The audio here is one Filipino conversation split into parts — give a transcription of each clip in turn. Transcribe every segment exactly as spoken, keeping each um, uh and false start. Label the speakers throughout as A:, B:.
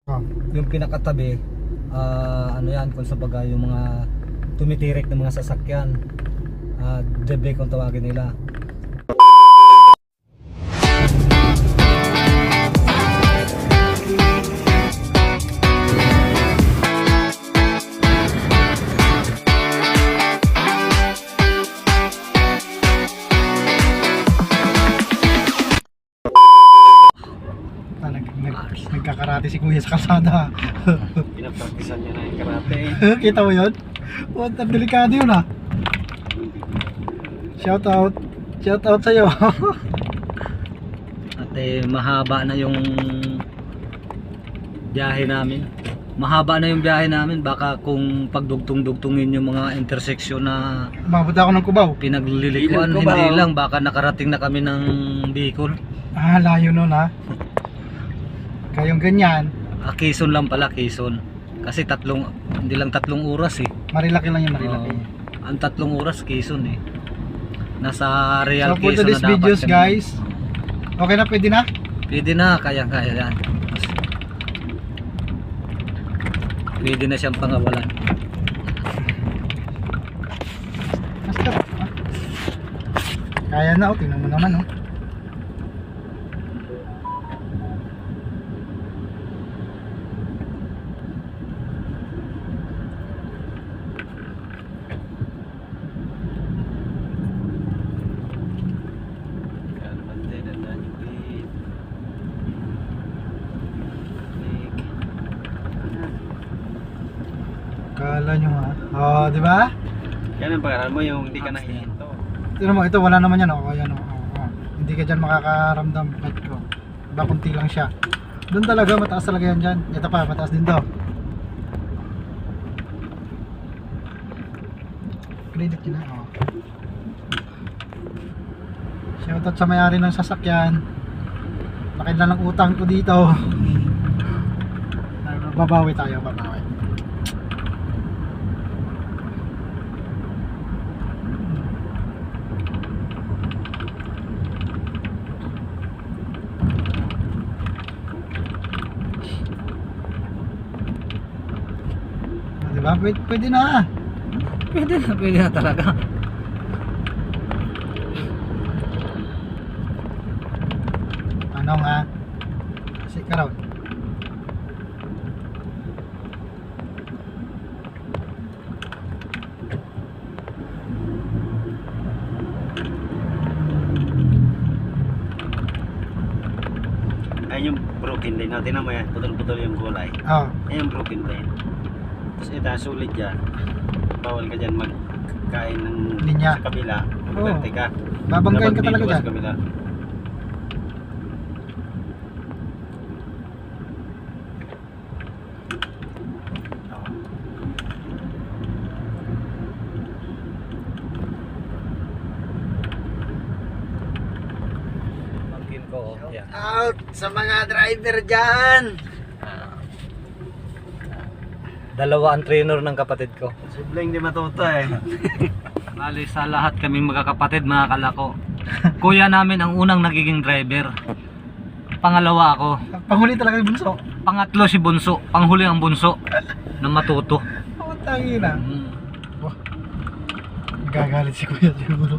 A: Oh.
B: Yung pinakatabi, ah, ano yan, kung sa bagay yung mga tumitirik ng mga sasakyan, uh, debrake kung tawagin nila.
A: Nagkakarate si kuya sa kalsada.
C: Pinapraktisan niya na yung karate.
A: Kita mo yun? What, ang delikado yun ah. Shout out. Shout out sa'yo.
B: At eh, mahaba na yung biyahe namin. Mahaba na yung biyahe namin. Baka kung pagdugtong-dugtungin yung mga intersection na
A: Umabot ako ng Cubao.
B: pinaglilikuan,
C: Ilang Cubao?
B: hindi lang. Baka nakarating na kami ng Bicol.
A: Ah, layo nun ha. Kayong ganyan,
B: Ah, Quezon lang pala, Quezon. Kasi tatlong, hindi lang tatlong oras eh.
A: marilaki lang yung marilaki.
B: Oo. Ang tatlong oras Quezon eh. Nasa Real
A: So for
B: Quezon
A: today's
B: na dapat
A: videos
B: kami.
A: guys, okay na, pwede na?
B: Pwede na, kaya-kaya yan. Pwede na siyang pangawalan.
A: Basta. ah. Kaya na, oh, tingnan mo naman oh. Kala nyo ha. Oh, di ba?
C: Yan ang pag mo yung hindi ka nahihinto.
A: Tingnan mo, ito wala naman yan oh. Ayan oh. Oh, oh. Hindi ka dyan makakaramdam kahit ko. Diba, kunti lang siya. Doon talaga, mataas talaga yan dyan. Ito pa, mataas din to. Credit yun na oh. Shoutout sa may-ari ng sasakyan. Laki na lang utang ko dito. Babawi tayo, babawi. Diba? Pwede, pwede na.
B: Pwede na, pwede na talaga.
A: Ano nga? Kasi ka raw.
C: Ayun yung broken lane. Tingnan mo yan, putol-putol yung gulay.
A: Oh.
C: Ayun yung broken lane. Tapos ito, sulit dyan. Bawal ka dyan magkain ng
A: Linya.
C: sa kabila.
A: Oo.
C: Magkante ka.
A: Babanggain ka
C: Dapat
A: talaga
C: dito ka
A: dyan.
C: sa kabila.
B: Pangkin ko, oh. Yan.
A: Out sa mga driver dyan.
B: Dalawa ang trainer ng kapatid ko.
C: Sibling di matuto eh.
B: Bali sa lahat kami magkakapatid, mga kalako. Kuya namin ang unang nagiging driver. Pangalawa ako.
A: Panghuli talaga yung bunso.
B: Pangatlo si Bunso. Panghuli ang Bunso na matuto.
A: Oh, tangi na.
B: Mm.
A: Wah. Gagalit si kuya siguro.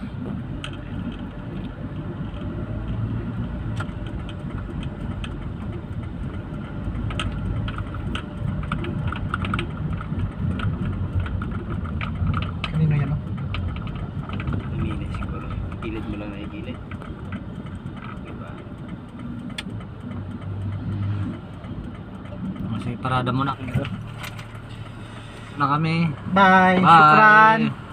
A: Kanino yan oh?
C: Umili siguro. Gilid mo lang na igilid. Diba?
B: Kasi parada muna. Na kami.
A: Bye.
B: Bye.
A: Shukran.